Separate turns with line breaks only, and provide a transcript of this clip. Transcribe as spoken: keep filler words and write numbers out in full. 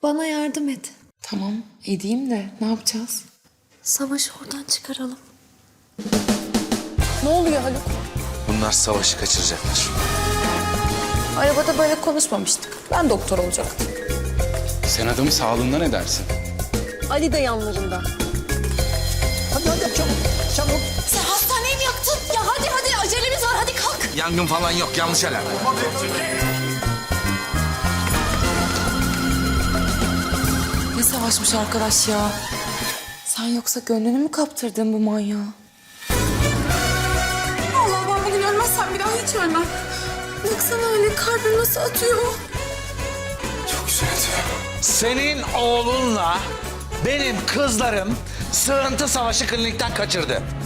Bana yardım et.
Tamam edeyim de ne yapacağız?
Savaşı oradan çıkaralım.
Ne oluyor Haluk?
Bunlar Savaş'ı kaçıracaklar.
Arabada böyle konuşmamıştık. Ben doktor olacaktım.
Sen adamın sağlığından ne dersin?
Ali de yanlarında.
Hadi hadi çabuk çabuk.
Sen hastaneyi mi yaktın? Ya hadi hadi acelemiz var hadi kalk.
Yangın falan yok, yanlış alarm.
Ne savaşmış arkadaş ya? Sen yoksa gönlünü mü kaptırdın bu manyağa? Allah ben bugün ölmezsem bir daha hiç ölmem. Baksana öyle kalbim nasıl atıyor.
Çok güzel. Senin oğlunla benim kızlarım sığıntı Savaş'ı klinikten kaçırdı.